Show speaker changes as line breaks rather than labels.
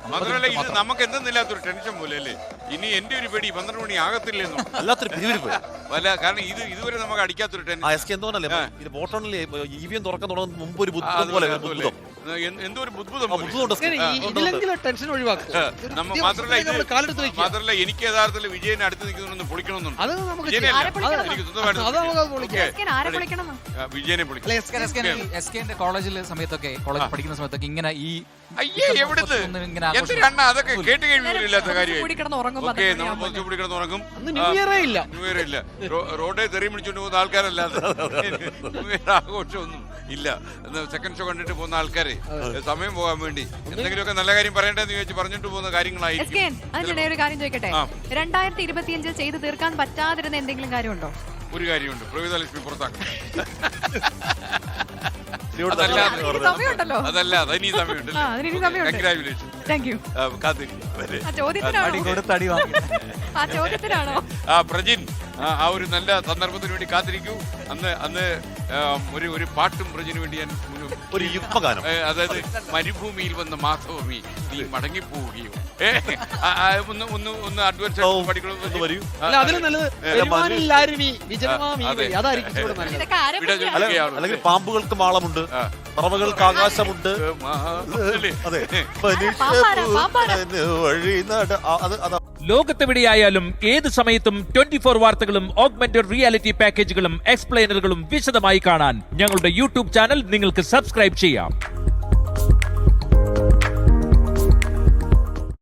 മാത്രമല്ല ഇത് നമുക്ക് എന്തെന്നില്ലാത്തൊരു ടെൻഷൻ പോലെ അല്ലേ. ഇനി എന്റെ ഒരു പേടി 12 മണി ആകത്തില്ലെന്നോ
അല്ലാത്തൊരു പിരിവിരിപ്പ്
അല്ല. കാരണം ഇതുവരെ നമുക്ക് അടിക്കാത്തൊരു ടെൻഷൻ.
ഇത് വോട്ടോണില് EVM തുറക്കാൻ തുടങ്ങുന്ന മുമ്പ് ഒരു ബുദ്ധിമുട്ട് പോലെ
എന്തോ ഒരു ബുദ്ധിമുട്ടും മാത്രമല്ല എനിക്ക് യഥാർത്ഥത്തിൽ വിജയനെ അടുത്ത് നിൽക്കുന്നൊന്ന് പൊളിക്കണമെന്നുണ്ട്. വിജയനെ
പൊളിക്കണം. കോളേജിലെ സമയത്തൊക്കെ കോളേജ് പഠിക്കുന്ന സമയത്തൊക്കെ ഇങ്ങനെ ഈ
അതൊക്കെ കേട്ട് കഴിവില്ലാത്ത കാര്യമായി ഉറങ്ങും. റോഡേ തെറി പിടിച്ചോണ്ട് പോകുന്ന ആൾക്കാരല്ലാതെ ആഘോഷമൊന്നും ഇല്ല. സെക്കൻഡ് ഷോ കണ്ടിട്ട് പോകുന്ന ആൾക്കാരെ സമയം പോകാൻ വേണ്ടി എന്തെങ്കിലുമൊക്കെ നല്ല കാര്യം പറയണ്ടെന്ന് ചോദിച്ച് പറഞ്ഞിട്ട് പോകുന്ന കാര്യങ്ങളായിരിക്കും.
ഒരു കാര്യം ചോദിക്കട്ടെ, 2025 ചെയ്തു തീർക്കാൻ പറ്റാതിരുന്ന എന്തെങ്കിലും കാര്യമുണ്ടോ?
ഒരു കാര്യമുണ്ട്, പ്രവിതലക്ഷ്മി പുറത്താക്കണം. അതല്ല അതിനി സമയമുണ്ട്. കൺഗ്രാജുലേഷൻ. പ്രജിൻ ആ ഒരു നല്ല സന്ദർഭത്തിന് വേണ്ടി കാത്തിരിക്കൂ. അന്ന് ഒരു പാട്ടും പ്രജിന് വേണ്ടി ഞാൻ
ഒരു യുഗ്മഗാനം,
അതായത് മരുഭൂമിയിൽ വന്ന മാധവമി നീ മടങ്ങിപ്പോവുകയോ ഒന്ന് അഡ്വാൻസ് പഠിക്കണമെന്ന് വരൂ.
അല്ലെങ്കിൽ പാമ്പുകൾക്ക് മാളമുണ്ട്, പറവകൾക്ക് ആകാശമുണ്ട്. അതെ,
ലോകത്തെവിടെയായാലും ഏത് സമയത്തും 24 വാർത്തകളും ഓഗ്മെന്റഡ് റിയാലിറ്റി പാക്കേജുകളും എക്സ്പ്ലെയിനറുകളും വിശദമായി കാണാൻ ഞങ്ങളുടെ യൂട്യൂബ് ചാനൽ നിങ്ങൾക്ക് സബ്സ്ക്രൈബ് ചെയ്യാം.